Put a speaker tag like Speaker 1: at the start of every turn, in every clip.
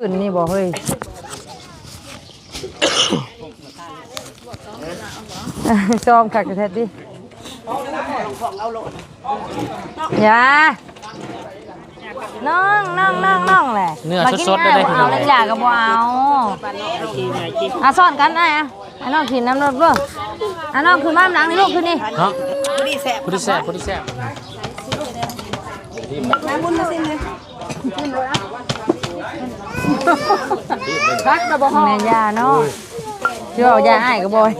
Speaker 1: ขึ้นนี่บ่เฮ้ยซ้อมขักกระเทศดิอย่าน้องแหละ
Speaker 2: เนื้อสดๆได้เลย
Speaker 1: เอาแล้วอยากกับบ่เอาซ่อนกันได้อะไอ้น้องกินน้ำรสเบ้อไอ้น้องคือบ้านหลังนี่ลูกคือนี่
Speaker 2: เนาะผู้ที่แซ่บ
Speaker 3: น้ำบุญมาสิเลย
Speaker 1: พักตะบ่ห้องแม่ยาเนาะเชื่อเอายาอ้ายก็บ่อย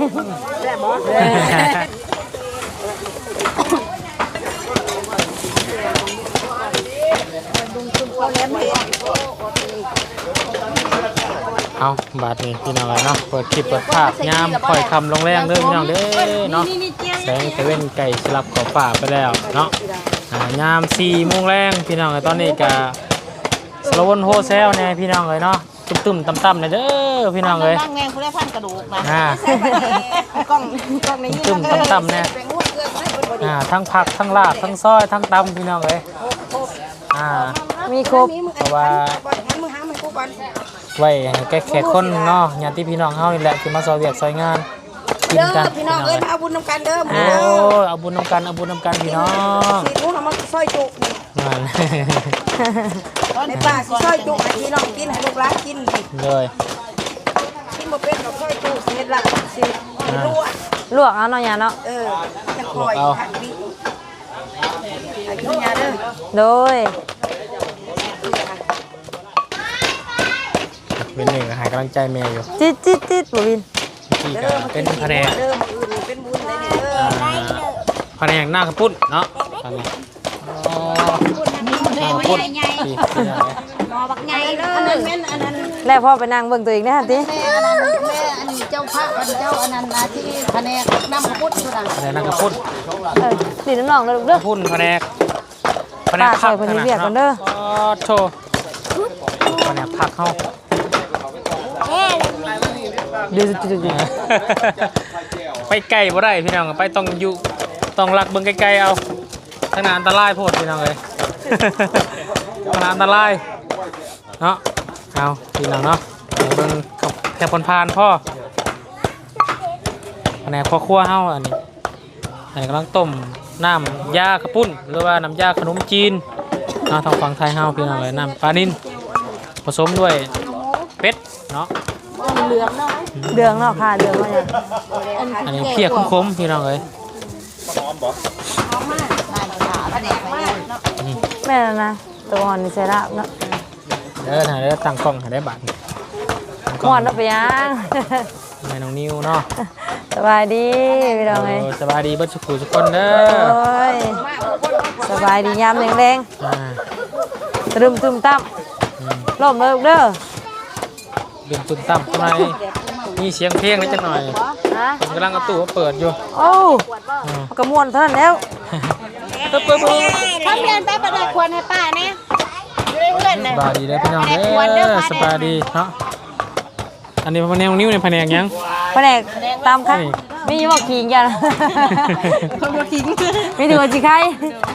Speaker 2: เอาบาดนี้พี่น้องเลยเนาะเปิดคลิปเปิดภาพยามค่อยคำลงแรงเด้อพี่น้องเด้อเนาะแสงเซเว่นไก่สลับขอบฝ่าไปแล้วเนาะยาม4 โมงแรงพี่น้องเลยตอนนี้ก็สโลว์โฮเซลเนี่ยพี่น้องเลยเนาะตึมๆต่ำๆเลยเด้อพี่น้องเลย
Speaker 3: นั่งแรงคุณได้พันกระดูก
Speaker 2: ก
Speaker 3: นะกล้องในนี้
Speaker 2: ตึมต่ำๆเนี่ยทั้งผักทั้งลาบทั้งซอยทั้งตำพี่น้องเลย
Speaker 1: มีครบ
Speaker 2: เพราะว่าไว้แก้แขกคนเนาะญาติพี่น้องเฮานี่แหละที่มาซอยเวียกซอยงานกินกัน
Speaker 3: พี่น้องเอ้ยเอาบุญนำกันเด้อ
Speaker 2: โอ้เอาบุญนำกันพี่น้อง
Speaker 3: สีนู้นเอามาซอยจุในป่าซอยจุพี่น้องกินให้ลูกหลานกิน
Speaker 2: เลย
Speaker 3: กินบ่เป็นกับซอยจุเฮ็ดละสิ
Speaker 1: ลวกเอาเนาะยาเนาะ
Speaker 3: จะคอยหักดิกินยาเด้อ
Speaker 1: โดย
Speaker 2: เป็นหนึ่งหายกำลังใจแม่อยู่
Speaker 1: จิตบ่วิน
Speaker 2: ที่ก็เป็นแผนก
Speaker 3: เป็นบุญได้เด้อ
Speaker 2: แผนกหน้ากระปุ้นเนาะตอนนี้หน้ากระปุ้น
Speaker 3: หมอบักใหญ่เด้ออันนั้น
Speaker 1: แล้วพ่อไปนั่งเบิ่งตัวเองได้หั่นติ
Speaker 3: แม่อันนี้เจ้าพระเจ้าอันนั้นที่แผนกน้ำกระปุ้นพุ่นน่ะ
Speaker 2: แผนกหน้ากระปุ้น
Speaker 1: ตีน้องเด้อลูกเด้อ
Speaker 2: ปุ้นแผนก
Speaker 1: ผักเพิ่นเรียกกันเด้อ
Speaker 2: โธ่แผนกผักเฮาไปไกลบ่ได้พี่น้องไปต้องลักเบิ่งไกลๆเอาทางนั้นอันตรายโพดพี่น้องเอ้ยทางนั้นอันตรายเนาะเอาพี่น้องเนาะเบิ่งแค่ผ่านพ่อแผนกครัวเฮาอันนี้กำลังต้มน้ำยากระปุ้นหรือว่าน้ำยาขนมจีนเนาะทางฝั่งไทยเฮาพี่น้องเอ้ยน้ำปลานิ่นผสมด้วยเป็ดเนาะ
Speaker 3: เหลืองเนาะ
Speaker 1: เดืองเนาะค่ะเดืองว่าหยัง
Speaker 2: อันนี้เพียคมๆพี่น้องเอ้ย
Speaker 1: แม่นะตัวหอนนี่ใส่ลาบเนาะ
Speaker 2: เด้อถ่ายได้ตั้งกล้องถ่ายได้บัตร
Speaker 1: หอนแล้วไปยัง
Speaker 2: แม่น้องนิวเนาะ
Speaker 1: สบายดีพี่น้องเอ้ย
Speaker 2: สบายดีเบิดสุขุทุกคนเด้อ
Speaker 1: โอ้ยสบายดียามแรงๆตึมตั้มล้มเลยเด้อ
Speaker 2: ดึงตุ้มตั้มทำไมมีเสียงเพลงนิดจังหน่อยผมกำลังเอาตู้เปิดอยู่
Speaker 1: โอ้กระมวลเท่านั้นแล้ว
Speaker 3: ถ้าเพื่อนไปประดับควรให้ป้าเนี่ย
Speaker 2: สบายดีเด้อพี่น้องเด้อสบายดีเนาะอันนี้แผนกนิ้วในแผนกยัง
Speaker 1: แผนกตามค่ะมีว่าขิงกันมีถือว่าจีไข่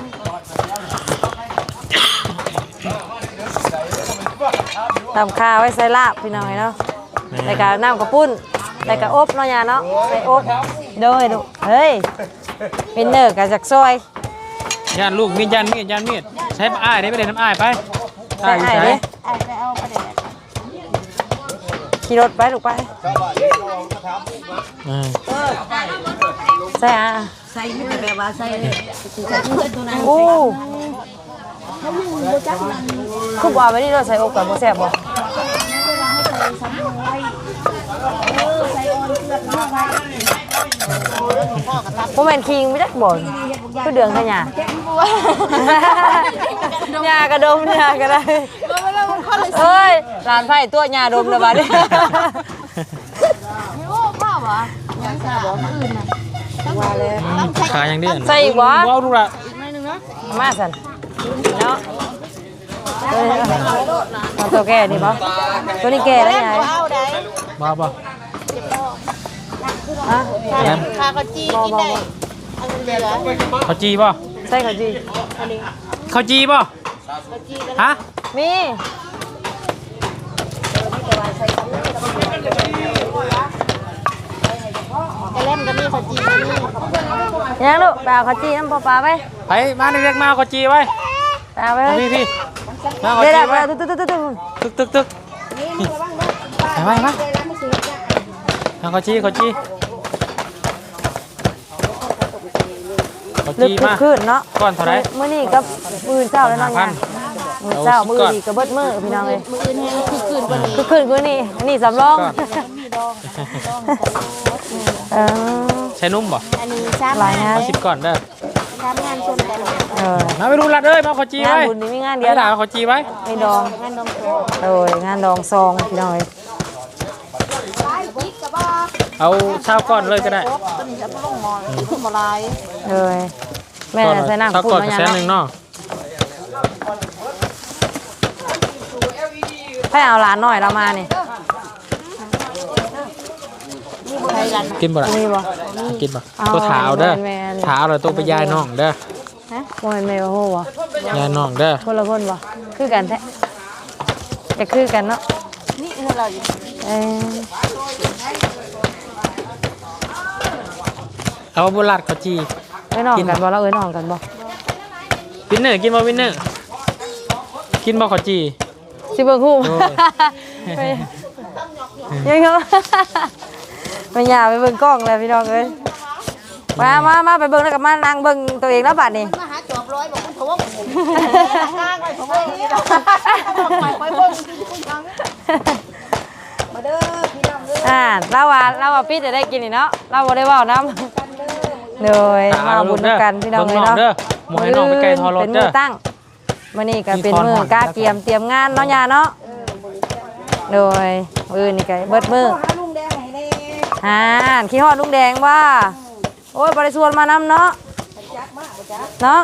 Speaker 1: ตำข้าวไว้ใส่ลาบพี่น้อยเนาะใส่กะน้ำกระปุ้นใส่กะอบเนาะยาเนาะใส่อบโดยดูเฮ้ยเป็นเนื้อกะจากซอย
Speaker 2: ย่านลูกมีดใช้อ้ายได้ไปเลยน้ำอ้ายไป
Speaker 1: อ้ายไปเอาไปเลยขี่รถไปลูกไปใส่
Speaker 3: ใส่แบบว่าใส่ตัวนั้น
Speaker 1: โอ้คือว่าไม่ได้เราใส่อกกับโมแซ่บบ่โมเมนต์คิงไม่ได้บ่นคือเดืองขยะยากระดมยากระได้เอ้ยหลานไผ่ตัวยาดมเลยบ้าดิ
Speaker 3: โอ้พ่อวะยังสาบอื่นน่ะ
Speaker 1: ว่าเลย
Speaker 2: ขายยังดี
Speaker 1: ใส่อีกวะ
Speaker 2: ว้าวดูละ
Speaker 3: อีกหน่อยนึงเนาะ
Speaker 1: มาสันเนาะตัวแก่นี่ป่ะตัวนี้แก่แล้วไง
Speaker 2: บ้าป่ะ
Speaker 3: ข้าวจีกินได้
Speaker 2: ข้าวจีป่ะ
Speaker 1: ใช่ข้าวจี
Speaker 2: ข้าวจีป่ะฮะ
Speaker 1: มียังลูกไปเอาข้าวจีน้ำปลาไป
Speaker 2: ไปมาเด็กๆมาเอาขจีไว้
Speaker 1: ไปเอาไป
Speaker 2: พี่มาเอาข
Speaker 1: เดี๋ยว
Speaker 2: จี
Speaker 1: เดี๋ยว
Speaker 2: ไว้
Speaker 1: ตึ๊ด
Speaker 2: ไปมาเอาขจี
Speaker 1: ลึก
Speaker 2: มา
Speaker 1: ขึ้นเนาะ
Speaker 2: ก่อนเท่าไหร่
Speaker 1: มื้อนี้กับมื้อเช้าแล้วเนาะเนี่ยมื้อเช้ามื้อนี้ก็เบิดมื้อพี่น้องเอ้ย
Speaker 3: มื้ออื่นให้คือคืนกว่านี้
Speaker 1: คือขึ้นกว่านี้อันนี้สำรองเออ
Speaker 2: ใช้นุ่มบ่
Speaker 3: อันนี้ซ้ำ
Speaker 1: หลายงาน
Speaker 2: เอา10ก่อนเด้อ
Speaker 3: ซ้ำงานชนกัน
Speaker 2: มาไปดูรัดเอ้ยมาเอาขจี
Speaker 1: งาน
Speaker 2: ไว้
Speaker 1: บุญนี่มีงานเดี
Speaker 2: เดี๋
Speaker 1: ย
Speaker 2: ยว วด่าเอาขจีไว้
Speaker 1: ไม่ดอง
Speaker 3: งานดองโต
Speaker 1: โดยงานดองซองพี่น้องเอ้ย
Speaker 2: เอาเช้าก่อนเลยก็ได้
Speaker 3: ต้นจะลงมอขึ้นบ่ลาย
Speaker 1: เลยแม่ใส่น้ำ
Speaker 2: เช้า
Speaker 1: ปุ่
Speaker 2: ก่อน
Speaker 1: น
Speaker 2: กับ
Speaker 1: มา
Speaker 2: แสน
Speaker 1: ยัง
Speaker 2: หนึ่ง
Speaker 1: เนาะ
Speaker 2: เนาะ
Speaker 1: ให้เอาหลานหน่อยเรามานี่
Speaker 3: ใครกัน
Speaker 2: กินบ่ล่ะ
Speaker 1: มีบ่
Speaker 2: กินบ่
Speaker 1: เอา
Speaker 2: ตัวถาเอาเด้อ
Speaker 1: แม่น
Speaker 2: ถาเอาแล้วตัวไปยายน้องเด้อ
Speaker 1: ฮะโมเมนต์เมย์โหบ่
Speaker 2: ยายน้องเด้อ
Speaker 1: คนละคนบ่คือกันแท้จะคือกันเนาะ
Speaker 3: นี่คือเราอยู่
Speaker 1: เออ
Speaker 2: เอาบุรัดขจี
Speaker 1: เอ้ยน้องกันบ่เราเอ้ยน้องกันบ่
Speaker 2: วินเนอร์กินบ่วินเนอร์กินบ่ขจี
Speaker 1: สิเบิ่งฮู้
Speaker 2: โอ้ย
Speaker 1: ไปยังเขาไม่อยากไปเบิ่งกล้องเลยพี่น้องเอ้ยมาไปเบิ่งแล้วก็มานั่งเบิ่งตัวเองแล้วบัดนี้
Speaker 3: มาหาจอบร้อยบอกคุณทวงข้างไปทวงนี่เราไปเบิ่งมาเด้อพี่น้องเด้อ
Speaker 1: เราว่าปิดจะได้กินนี่เนาะเราบ่ได้เว้านํเลยมาบุญกันพี่น้องเอ้ยเนาะ
Speaker 2: เด้อหมวยน้องไปไกลทอรถ
Speaker 1: เป็น
Speaker 2: เด้
Speaker 1: มื
Speaker 2: อ
Speaker 1: อตั้งมื้อนี้ก็เป็นมื้อกาเตรียมงานเนาะย่าเนาะโดยมื้อนี่ก็เบิดมื้อ
Speaker 3: ลุงแดงให้แน่
Speaker 1: ขี้ฮอดลุงแดงว่าโอ้ยบ่ได้ชวนมานำเนาะเนาะ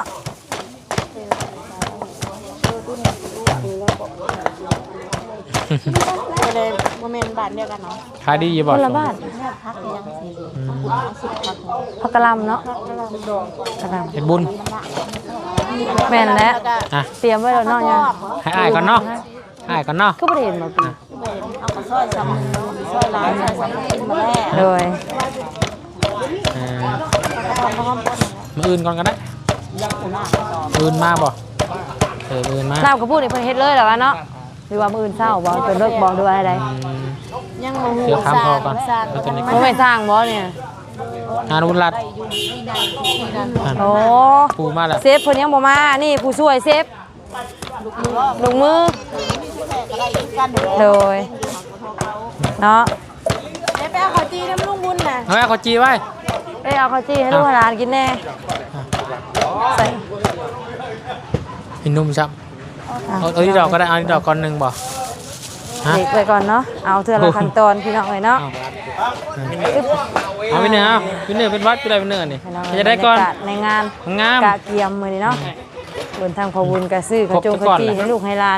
Speaker 3: ก็เลยบ่แม่นบ้านเดียวกันเนาะ
Speaker 2: ขายดีอยู่บ่
Speaker 1: คนละบ้าน
Speaker 3: พักยังสิ
Speaker 1: พักกะหลำเนาะกะหล
Speaker 2: เฮ็ดบุญ
Speaker 1: ำแม่นแล้ว
Speaker 2: อ่ะ
Speaker 1: เตรียมไว้แล้วเนาะย่า
Speaker 2: ให้อ้ายก่อนเนาะอ้ายก่อนเนาะ
Speaker 1: ก็บ่ได้เห็นมาปี
Speaker 3: เอากระซอยซ้ำซอยหลายซอยซ้ำกินมาแล้ว
Speaker 1: โดย
Speaker 2: เออมื้ออื่นก่อนก็ได้มื้ออื่นมาบ่มื้ออื่นมา
Speaker 1: น้ำกระพูดนี่เพิ่นเฮ็ดเลยเหรอวะเนาะหรือว่ามื้ออื่นเช้าบ่เป็นเลิกบ่ดูอะไร
Speaker 3: ยังบ่ฮู้
Speaker 2: เดี๋ยวถามพ่อก่อนแล้วจะได้
Speaker 1: บ่แม่นสร้างบ่เนี่ย
Speaker 2: งานบุญรัด
Speaker 1: โอ้
Speaker 2: ปูมาแล้ว
Speaker 1: เซฟเพิ่นยังบ่มานี่ผู้ช่วยเซฟลงมือโดยเนาะ
Speaker 3: ไปเอาข้าวจีน้ำลุงบุญน่ะ
Speaker 2: เอาแม่ขอจีไว้
Speaker 1: เอ้ยเอาข้าวจี้ให้ลูกให้หลานกินแน่ใส่
Speaker 2: เป็นนุ่มซับเอาที่ดอกก็ได้เอาที่ดอกก่อนหนึ่งบ่ฮะ
Speaker 1: เด็กไปก่อนเนาะเอาเทื่อละขั้นตอนพี่น้องเอ้ยเนาะ
Speaker 2: เอาไปเนื้อไปเนื้อเป็นวัดไปอะไรเป็นเนื้อนี่
Speaker 1: พี่น้อง
Speaker 2: จะได้ก่อน
Speaker 1: บรรยากาศในงาน
Speaker 2: งาม
Speaker 1: กะเกียมมื้อนี้เนาะบนทางพอบุญกะซื้อกะจง
Speaker 2: ครบทุกก้อน
Speaker 1: กะจี้
Speaker 2: แหละ
Speaker 1: ให้ลูกให้หลาน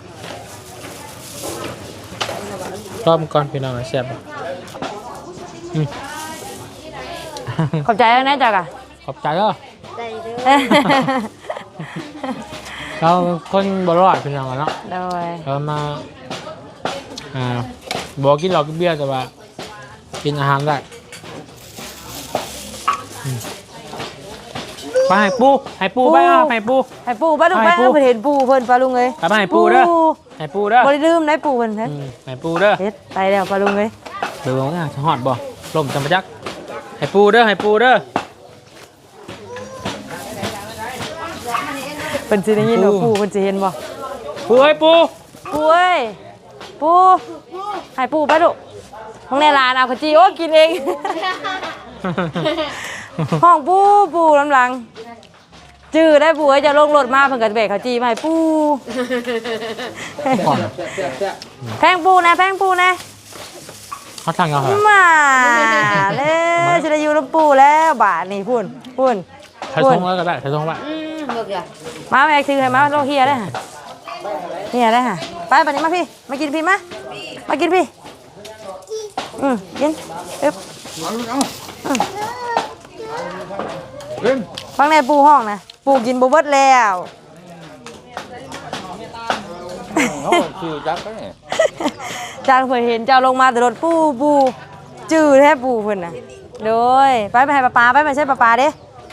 Speaker 2: รอบก่อนพี่น้องแซ่บบ่อืม
Speaker 1: ขอบใจแล้วนะจ๊ะกะ
Speaker 2: ขอบใจเด้อ
Speaker 3: ใจเด้อ
Speaker 2: เราเป็นคนบ่รอดพี่น้องอะเนาะ
Speaker 1: โดย
Speaker 2: เรามาบอกกินเหล้ากินเบียร์แต่ว่ากินอาหารได้ไปให้ปูไปเอาให้ปู
Speaker 1: ให้ปู่ป้าลุง
Speaker 2: ให้
Speaker 1: ไป
Speaker 2: ปู่
Speaker 1: เพิ่นเห็นปู่เพิ่นป้าลุงเอ้ย
Speaker 2: ไปให้ปูเด้อให้ปูเด้อ
Speaker 1: บ่ได้ลืมได้ปู่เพิ่นเฮ็ด
Speaker 2: ให้ปูเด้อ
Speaker 1: เฮ็ดไปแล้วป้าลุงเอ้ย
Speaker 2: เดี๋ยวว่าจะหอดบ่ลมจำปะจักให้ปูเด้อให้ปูเด้อ
Speaker 1: เพิ่นสิได้ยินว่าปู่เพิ่นสิเห็นบ่
Speaker 2: ปูให้ปู
Speaker 1: ปู่เอ้ยปู่ให้ปู่ไปลูกห้องในร้านเอาขจีโอ้กินเอง ห้องปู่ลำหลังจื้อได้ปู่เอ้ยจะลงรถมาเพิ่นก็แบกขจีมาให้ปู่
Speaker 2: ก่อน
Speaker 1: แพงปู่นะแพงปู่นะ
Speaker 2: เขาทางเอาเหรอ
Speaker 1: มาเลยจะได้อยู่ลำปู่แล้วบาทนี่พุ่น
Speaker 2: ใช้ทงแล้วก็ได้ใช้ทงว่า
Speaker 1: มาแม่ซื้อให้มาโลเฮียได้ฮะเฮียได้ฮะไปบัดนี้มาพี่มากินพี่มากินพี่กินอึ๊บฟังในปูห้องนะปูกินบ่เบิดแล้ว
Speaker 4: ชื่อจักรเนี่ย
Speaker 1: จางเพิ่นเห็นเจ้าลงมาแต่รถปูจื้อแท้ปูเพิ่นน่ะโดยไปให้ป้าไปไม่ใช่ป้าเด้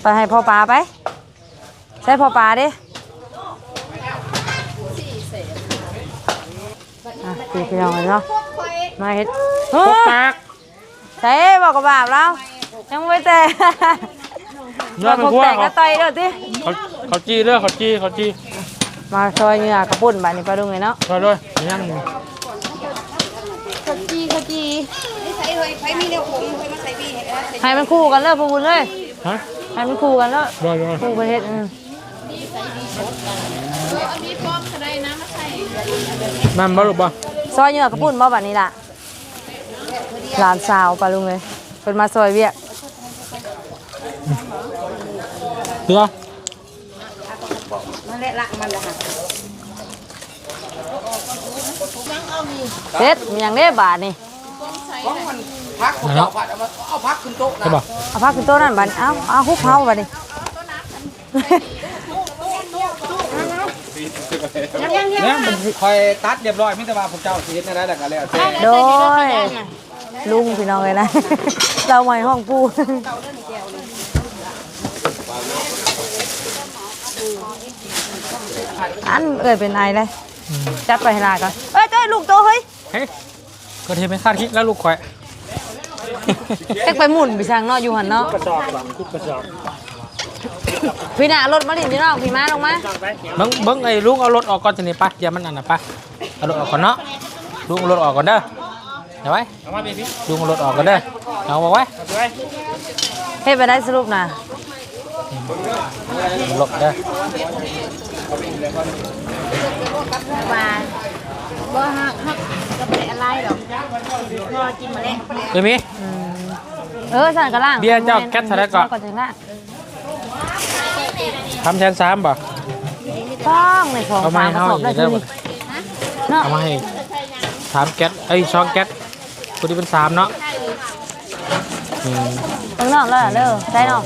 Speaker 1: ให้พ่อปลาไปใช่พ่อปลาดิตีไปเอาเนาะมาเฮ็ด
Speaker 2: พกปาก
Speaker 1: ใช่บอกกับบาปแล้วยังไม่แต่
Speaker 2: เนื้อเป็นพวก
Speaker 1: แต่ก็ต่อยเด้อติ
Speaker 2: เขาจี้เด้อเขาจี้
Speaker 1: มาซอยเหงื่อกระปุ่นบาดนี้ปลาดุงเลยเนาะ
Speaker 2: ซอยด้วยยัง
Speaker 3: ขจีไม่ใส่เลยไฟมีเดียวผมไฟมาใส่บีให้ได้
Speaker 1: ให้มันคู่กันเลยพวกคุณเลย
Speaker 2: ฮะ
Speaker 1: ให้มันคู่กันแล้ว
Speaker 2: ด้วย
Speaker 1: คู่ประเทศ
Speaker 2: มันบ่ลูกบ่
Speaker 1: ซอยเหงื่อกระปุ่นบ่บัดนี้ล่ะหลานสาวปลาดุงเลยเป็นมาซอยเวียก
Speaker 2: เพื่อ
Speaker 3: มันแหละละมันละค่ะ
Speaker 1: เฮ็ดมีอย่างเด้บาทนี่
Speaker 4: พักผมเอาผัดเอาพักขึ้นโต๊ะนะ
Speaker 2: ใช่ป่ะ
Speaker 1: เอาพักขึ้นโต๊ะนั่นบาดเอาฮุบเฮาบาดนี้
Speaker 4: เนี่ยมันคอยตัดเรียบร้อยมิตรว่าผมเจ้าชีวิตนั่นแหละกันแล้ว
Speaker 1: โดยลุงพี่น้องเลยนะ เราใหม่ห้องปูอันเป็นไอเลยจัดไปให้ลาก่อนเอ้ยเจ้าลูกโตเฮ้ย
Speaker 2: เฮ้ยก็เทไม่คาดคิดแล้วลูกข่อย
Speaker 1: เอ็กไปหมุนไปช่างเนาะอยู่หันเนาะ
Speaker 2: กระสอบหลังคุกกระสอบ
Speaker 1: พี่น่ะรถมาดินพี่น้องพี่มาลงมา
Speaker 2: เบิ้งไอ้ลุงเอารถออกก่อนจะนี่ปะอย่ามันอันน่ะปะเอารถออกก่อนเนาะลุงเอารถออกก่อนเด้อเดี๋ยวไว้ลุงเอารถออกก่อนเด้อเอาบอกไว้
Speaker 1: เฮ็ดไปได้สรุปนะ
Speaker 2: หลบเด้อ
Speaker 3: ว่าบ่ฮักก็เป็นอะไรดอกพอกินมาแล้ว
Speaker 2: เดี๋ยวมี
Speaker 1: สั่นกระล่าง
Speaker 2: เบียร์เจ้าแก๊สเท่าไหร่ก่อน
Speaker 1: ก่อนถึงละ
Speaker 2: 3,300ป่ะ
Speaker 1: ต้องในของ
Speaker 2: เอามา
Speaker 1: สาม
Speaker 2: ให้
Speaker 1: กระสอบได้
Speaker 2: เฮาอีกเด้
Speaker 1: ที
Speaker 2: อ
Speaker 1: นี้เนาะ
Speaker 2: เอามาให้3แก๊ส2แก๊สพอดีเป็น3เนาะ
Speaker 1: ข้างนอกแล้วเด้อใช่เนาะ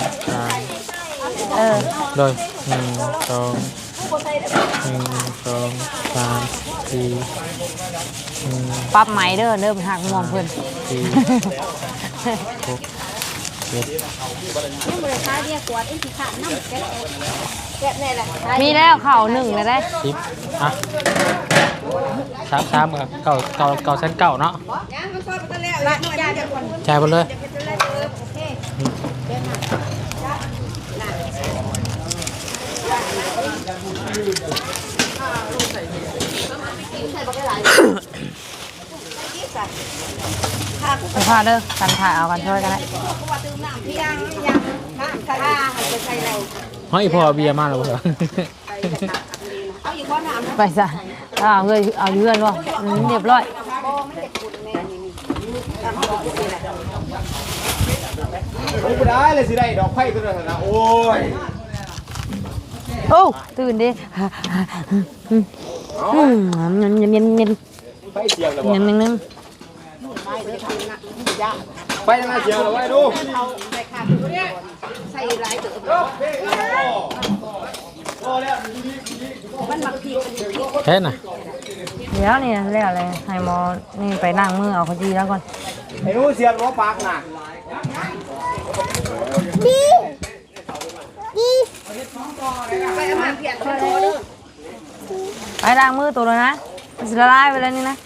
Speaker 2: โดย1 2 3 4
Speaker 1: ปรับไหมเด้อเริ่มหักงวงเพิ่น
Speaker 3: นี่มูลค่าเรียกกวดไอ้ที่ขาดน้ำแกะแน่แหละ
Speaker 1: มีแล้วเข่าหนึ่งเลยได้
Speaker 2: 10อ่ะ3กับ9เส้น9เนาะ
Speaker 3: ยังมันซอยไปแล้วละนี่ยาเดี๋ยวก่อน
Speaker 2: จ่ายหมดเลย
Speaker 3: โอเค
Speaker 1: ไปพาเด้อกันถ่ายเอากันช่วยกันได้
Speaker 3: พี่ยังน้ำใส่ไปใส่เรา
Speaker 2: เฮ้ยพอเบียร์มาแล้วเหรอ
Speaker 3: เอาอีกข้อน้ำ
Speaker 1: ไปซะเอาเลยเอาเยือนวะเรียบร้อย
Speaker 4: ไม่ได้เลยสิได้ดอกไผ่ตัวนั้นนะโอ้ย
Speaker 1: โอ้ตื่นดิเย็น
Speaker 4: ไผ่เสียงแล้ว
Speaker 1: ๆนึง
Speaker 4: ไผ่ยังไงเสียงแล้วไว้ดู
Speaker 3: ใส่หลายตัวมันหมักผิด
Speaker 2: เฮ้ยน่ะ
Speaker 1: เดี๋ยวนี่เรียกอะไรให้หมอนี่ไปนั่งมือเอาขจีแล้วก่อน
Speaker 4: ไอ้นู้เสียงล้อปากน่ะ
Speaker 3: ไปเอามาเพียรไปเลย
Speaker 1: ไปล้างมือตัวเลยนะมันจะละลายไปแล้วนี่นะ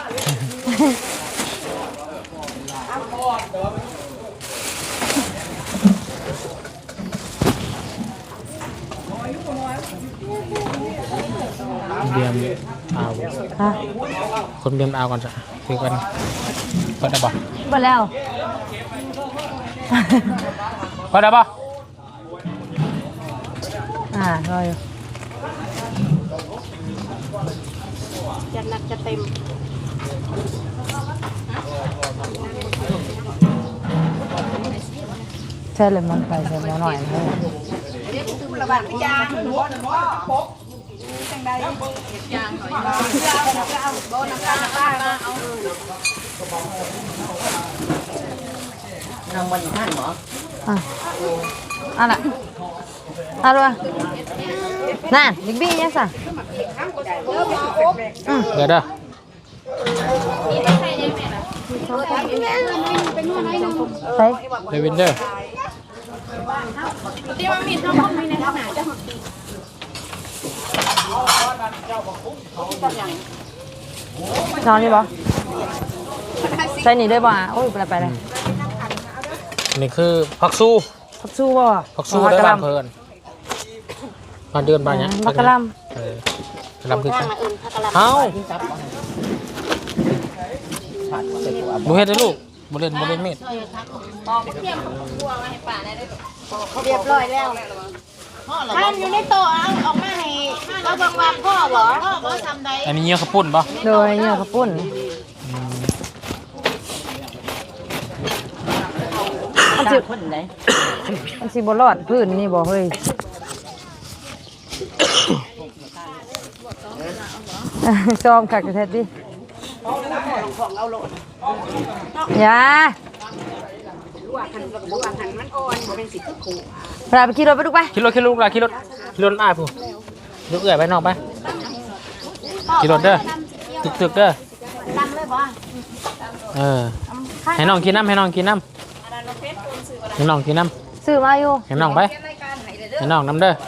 Speaker 2: เบียร์เอา
Speaker 1: ฮะ
Speaker 2: คนเบียร์เอาก่อนจ้ะคือกันเปิดได้ป่ะ
Speaker 1: ไปแล้ว
Speaker 2: เปิดได้ป่ะ
Speaker 1: รออยู่
Speaker 3: จะหนักจะเต็ม
Speaker 1: ใช่เลยมันไปเสร็จแล้วหน่อยนะ
Speaker 3: ระบาดยางจังใดยางหน่อยเอาโบน้ำตาลป้าเอา
Speaker 4: นั่งมันอยู่ท่านหมอ
Speaker 1: อ่ะน่ะด้วยนั่นบิ๊กบี้ยังสั่ง
Speaker 2: เปิดได้
Speaker 1: ใส่
Speaker 2: เดวินเดอร์
Speaker 3: ที่ว่ามีน้องมีในขนาดจะ
Speaker 1: นอนนี่บ่ใส่นี่ได้บ่โอ้ยไปเลย
Speaker 2: นี่คือผักสู้
Speaker 1: ผักสู้บ่
Speaker 2: ผักสู้ได้บ้านเพิ่นมาเดือนบ้านเนี้ย
Speaker 1: ผักกะหล่
Speaker 2: กะหล่ำคือกันเอ้าบ่เฮ็ดได้ลูกบ่เล่นมีด
Speaker 3: เรียบร้อยแล้วท่านอยู่ในโต๊ะเอาออกมาให้เราบอกว่าพ่อบ่ทำได้
Speaker 2: อันนี้เงี้ยข้าวปุ้นป่ะ
Speaker 1: โดยเนี่ยข้าวปุ้นมันสิบ่รอดพื้นนี่บ่เฮ้ยซ้อมคักแท้ดิอย่าพาไปขี่รถไปดูไป
Speaker 2: ขี่รถลูกล่ะขี่รถอ้ายผู้ลูกเอื้อยไปนอกไปขี่รถเด้อตึกเด้อให้น้องกินน้ำให้น้องกินน้ำ
Speaker 1: ซื้อมาอยู่
Speaker 2: ให้น้องไปให้น้องน้ำเด้อ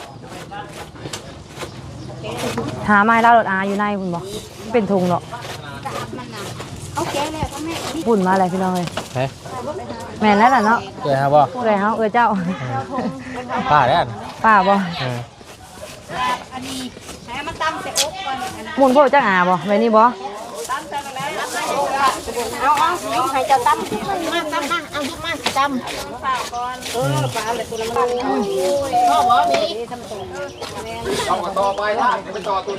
Speaker 1: หาไม้ล่ารถอาอยู่ในคุณบอกเป็นถุงเนาะ
Speaker 3: เขาแก้แล้วพ่อแม่
Speaker 1: ปุ่นมาอะไรพี่น้องเลย
Speaker 2: เฮ้ย
Speaker 1: แม่นแล้วล่ะเนาะ
Speaker 2: เอื้อยครับบ่
Speaker 1: เอ้ยเฮาเจ้า
Speaker 2: ป้าเด้อ
Speaker 1: ป้าบ่
Speaker 3: อันนี้ให้มันตำใส่อกก่อน
Speaker 1: หมุนพวกจักอาบ่ไว้นี่บ่
Speaker 3: เอายุกให้เจ้าตำมาเอายุกมาตำปลาเลยตัวละมันพ่อบ่มี
Speaker 4: ต่อไปถ้าไปต่อตุน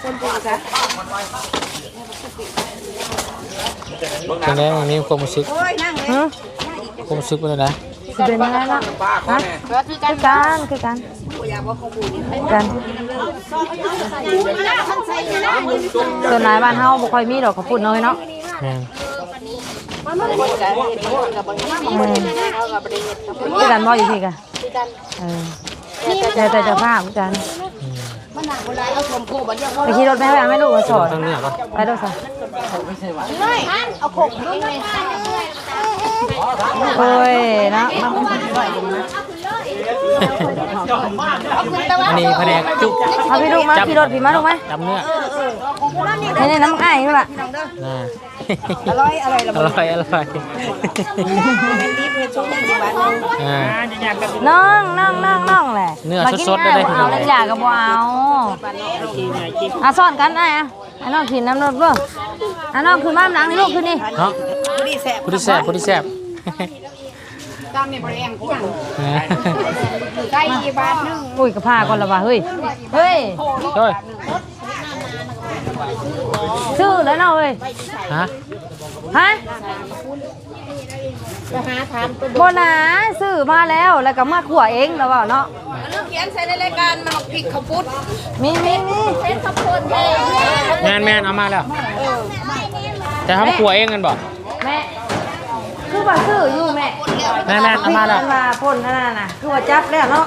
Speaker 2: เป็นไงวันนี้ความรู้สึก
Speaker 1: ฮะ
Speaker 2: ความรู้สึกเป็นไง
Speaker 1: สิเป็นยังไงล่ะฮะ
Speaker 3: คือกัน
Speaker 1: คือกันส่วนหลายบ้านเฮาบ่ค่อยมีดอกข้าวปุ้นน้อยเนาะคือกันบ่อยู่พี่กะแต่จะภาพคือกันไปขี่รถไปให้แม่ลูกมาสอน
Speaker 2: ตั้งเนี่ยป่ะ
Speaker 1: ไปดูสิ
Speaker 3: เอาขบด้วยไง
Speaker 1: โอ้ยนะ
Speaker 2: อันนี้แผนกจุ๊บ
Speaker 1: เอาพี่ลูกมาขี่รถพี่มาลูกไหม
Speaker 2: จำเนื้อ
Speaker 1: นี่น้ำอ้ายนี่แหละ
Speaker 2: อร่อยอร่อย
Speaker 1: น้องแหละ
Speaker 2: เนื้อสดๆได้เลย
Speaker 1: เอาเล่นยากับบ่เอาซ่อนกันไอ้น้องกินน้ำรถบ่น้องคือมาหลังนี่ลูกคือนี่
Speaker 2: เนาะผู้ที่แซ่บ
Speaker 3: ตำเนี่ยบริเวณกูไก่บาทนึง
Speaker 1: อุ้ยกระพาก่อนละว่ะเฮ้ย
Speaker 2: เฮ้ย
Speaker 1: ชื่อแล้วเนาะเฮ้ย
Speaker 2: ฮะ
Speaker 3: จะหาทานตัว
Speaker 1: โบนาซื้อมาแล้วก็มาขั่วเองแล้วว่าเนาะ
Speaker 3: เรื่องเขียนใส่ในรายการมันผิดเขาพุทธ
Speaker 1: มี
Speaker 3: เป็นข้าวโพดเอง
Speaker 2: แมนเอามาแล้วแต่ทำครัวเองกันบ่
Speaker 1: แม่คือว่าซื้ออยู่แม่
Speaker 2: แม่เอามาแล้ว
Speaker 1: มาพ่นนั่นน่ะคือว่าจับแล้วเนาะ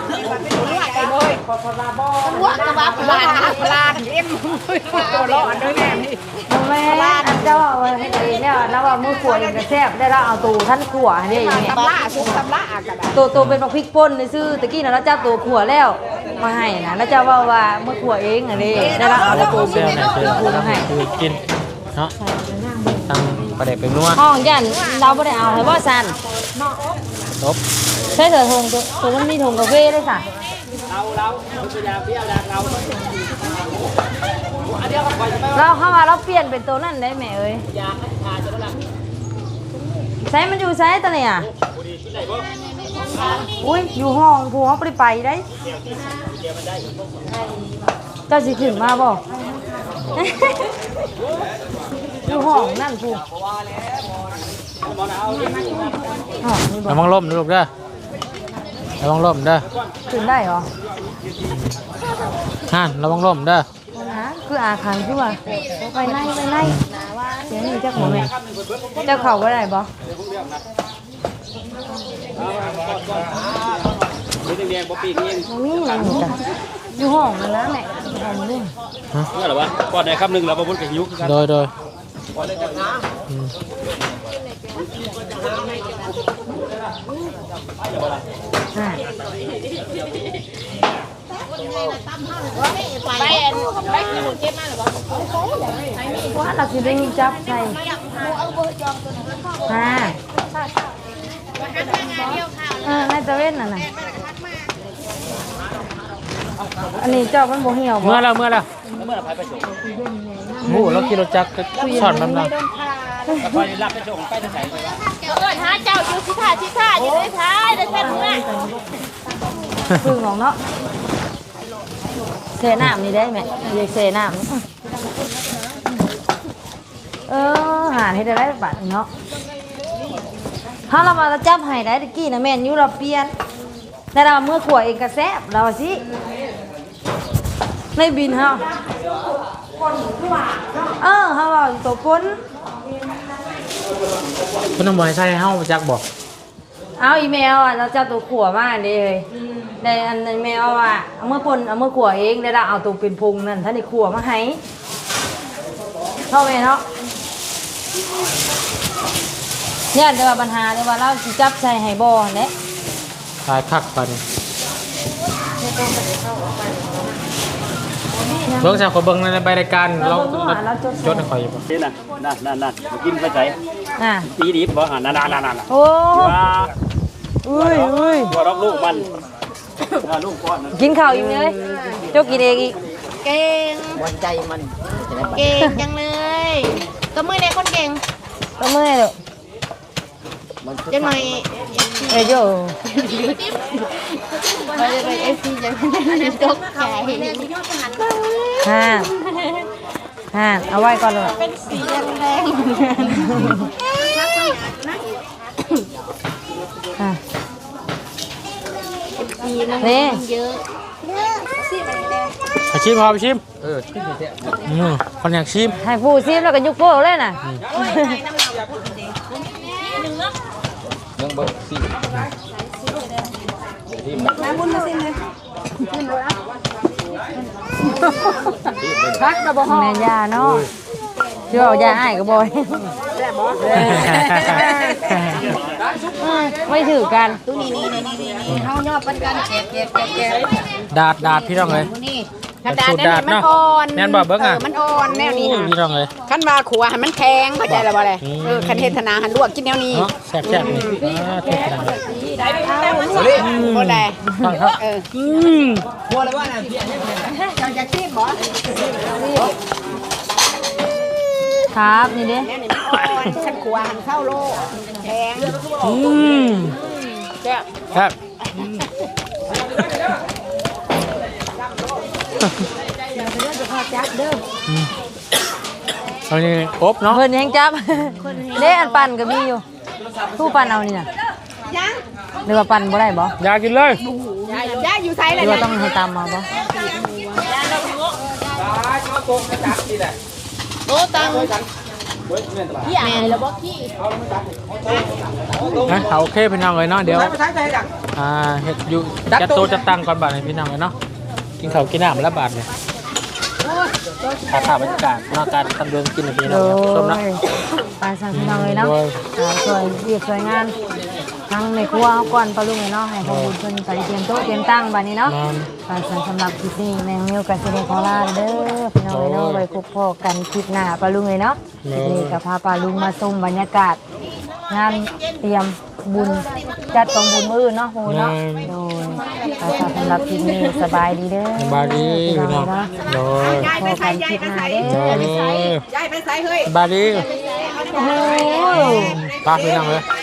Speaker 3: วัวกระบะพลานเอ็มตัวร้อนด้วยแม่นี่
Speaker 1: แม่อันเจ้าว่าให้ดีเนี่ยแล้วว่ามือขั่วเองก็แซ่บได้แล้วเอาตูท่านขั่วนี่อย่างเงี้ย
Speaker 3: ตำล่าชุบตำล่ากัน
Speaker 1: ตัวเป็นบักพริกป่นซื้อตะกี้นะแล้วเจ้าตัวขั่วแล้วมาให้นะแล้วเจ้าว่ามือขั่วเองอันนี้ได้แล้วเอาตัว
Speaker 2: เซลล์เนี่ยคือกินเนาะตั้งประเด็นเป็นนัว
Speaker 1: ห้องยันเราไม่ได้เอาให้บ่สัน
Speaker 2: จบ
Speaker 1: ใช่เถอะทงตัวมันมีทงกาแฟด้วยค่ะเราเข้ามาเราเปลี่ยนเป็นตัวนั่นได้ไหมเอ้ยใช้มันอยู่ใช้ตัวไหนอ่ะอุ้ยอยู่ห้องผู้เขาไปได้เจ้าสิขึ้นมาบ่อยู่ห้องนั่นผู้
Speaker 2: ระวังล่มนะลูกเด้อระวังล่มเด้อ
Speaker 1: ขึ้นได้เหรอ
Speaker 2: ระวังล่มเด้อ
Speaker 1: คืออาคารคือว่าไปไล่เสียงนี่เจ้าของแม่เจ้าเขาว่าได้บ่มีอะไรจ้ะอยู่ห้องนั่นนะแม่ห้องนึง
Speaker 4: นี่เหรอวะก่อนในคำหนึ่งเราบนกับยุกกัน
Speaker 2: โดย
Speaker 1: อ่า
Speaker 3: ไปคือเก็บมาหรือเปล่า
Speaker 1: ว่าเราสิได้จับใส่อ่าในตะเว้นน่ะนะอันนี้เจ้ามันบ่เหี่ยวบ่
Speaker 2: เมื่อแล้วโอ้เราขี่รถจักรสอนมันนะ
Speaker 3: เอิ้นหาเจ้าอยู่ที่ท่าอยู่ในท้ายได้แค่นี้
Speaker 1: พึ่งของเนาะเสน้ำนี่ได้ไหมเรียกเสน้ำหาให้ได้บัตรเนาะถ้าเรามาจับให้ได้ตะกี้นะแม่นอยู่เราเปลี่ยนแต่เราเมื่อขวดเองก็แซ่บเราสิในบินเฮาเฮาว่าตัวปน
Speaker 2: เพิ่นบ่ให้ใส่เฮาจักบอก
Speaker 1: เอาอีเมลเราจะตัวขวมาเด้เลยในอันในเมลเอาเมื่อปนเอาเมื่อขวเองได้เราเอาตัวเป็นพุงนั่นท่านในขวมาให้เท่าไหร่เนาะเนี่ยเดี๋ยวปัญหาเดี๋ยวว่าเราสิจับใส่ให้บ่เนี่ย
Speaker 2: ทายคักปันเบิ่งจากคนเบิ่งในใบรายการเราจดให้ข่อยอยู่บ่
Speaker 5: นี่น่ะนั่นมากินไปใส่
Speaker 1: อ่ะ
Speaker 5: ตีดิบบ่นั่น
Speaker 1: โอ้
Speaker 5: ว่า
Speaker 1: อุ้ย
Speaker 5: ตัวรอกลูกมันลูกก้อนนะ
Speaker 1: กินข้าวอีกเลยเจ้ากินเองอีก
Speaker 3: เก่ง
Speaker 5: วันใจมัน
Speaker 3: เก่งจังเลยตัวมือในคนเก่ง
Speaker 1: ก็เมื่อยเลย
Speaker 3: จังหน่อย
Speaker 1: โย่
Speaker 3: ไปเลยเอฟซีจังตกใจ
Speaker 1: ห่านเอาไว้ก่อนเลย
Speaker 3: เป็นสีแดง
Speaker 1: อ่ะ
Speaker 3: สีมัน
Speaker 1: นี่
Speaker 3: เยอะ
Speaker 2: ไปชิมพอไปชิมคนอยากชิม
Speaker 1: ให้ผู้ซีมแล้วก็ยุกโป้เลยน่ะ
Speaker 4: ยังบ่สิ
Speaker 1: พักระบบแม่ยาเนาะเชื่อเอายาให้ก็บ่อยไม่ถือกัน
Speaker 3: ตัวนี้เฮาย่อปันกันแกะ
Speaker 2: ดาดพี่น้องเลย
Speaker 3: นี่
Speaker 2: กระดาษมันอ่อนแม่นบ่เบิ่งอ่ะ
Speaker 3: มันอ่อนแนวนี้
Speaker 2: พี่น้องเลย
Speaker 3: คันว่าขัวให้มันแข็งเข้าใจแล้วบ่เลยคันเทศนาหันลวกกินแนวนี้
Speaker 2: เนาะแซ่บๆนี่เทศนา
Speaker 3: บ่ได้
Speaker 2: ฟังครับ
Speaker 4: บัวเลยว่าน่ะ
Speaker 3: เจ้าจะคิดบ่
Speaker 1: ครับนี่เด้
Speaker 3: แนวนี้มันอ่อนคันขัวหันเข้าโลแข็ง
Speaker 2: ครับเอานี่อบเนาะ
Speaker 1: เพิ่นยังจับเด้อันปั่นก็มีอยู่ผู้ปั่นเอานี่น่ะ
Speaker 3: ยัง
Speaker 1: หรือว่าปั่นบ่ได้บ่
Speaker 2: อยากกินเลย
Speaker 3: ยายอยู่ไส
Speaker 1: ห
Speaker 3: ล่ะ
Speaker 1: รือว่าต้องให้ตามมาบ่
Speaker 3: โตตังพี่อ่านแล้วบ่พี่
Speaker 2: นะเอาโอเคพี่น้องเลยเนาะเดี๋ยว
Speaker 4: ใช้ไปใช้ใจดัก
Speaker 2: เฮ็ดอยู่จัดโต๊ะจัดตั้งก่อนบาทให้พี่น้องเลยเนาะกินข้าวกินน้ำแล้วบาทเนี่ยถ่ายบรรยากาศเนาะการทำเรื่องกินให้พี่น้องชมเนาะ
Speaker 1: ปลาสั่งพี่น้องเลยเนาะ
Speaker 2: โดย
Speaker 1: สวยเรียบสวยงามทั้งในครัวเอาก่อนปลาลุงเลยเนาะให้พวกคุณเพิ่นไปเตรียมโต๊ะเตรียมตั้งบัดนี้เนาะ
Speaker 2: นอน
Speaker 1: ปลาสั่งสำหรับคลิปนี้แมงมิวกับเซเดคอล่าเด้อพี่น้องเลยเนาะไว้พบพอกันคลิปหน้าปลาลุงเลยเนาะคลิปนี้ก็พาปลาลุงมาชมบรรยากาศงานเตรียมบุญจัดกองบุญมื้ออื่นเนาะโหเนาะโดยปลาสั่งสำหรับคลิปนี้สบายดีเด้อ
Speaker 2: สบายดี
Speaker 1: พี่
Speaker 2: พี่
Speaker 1: น้
Speaker 2: น้
Speaker 1: อ
Speaker 2: อง ง
Speaker 1: เนาะ
Speaker 2: โดย
Speaker 1: พบกันคลิปหน้าเด้
Speaker 2: โด
Speaker 1: อ
Speaker 2: ย
Speaker 3: ยายไปไสเฮ้ย
Speaker 2: สบายดี
Speaker 1: โอ้โห
Speaker 2: ป้าพี่น้องเลย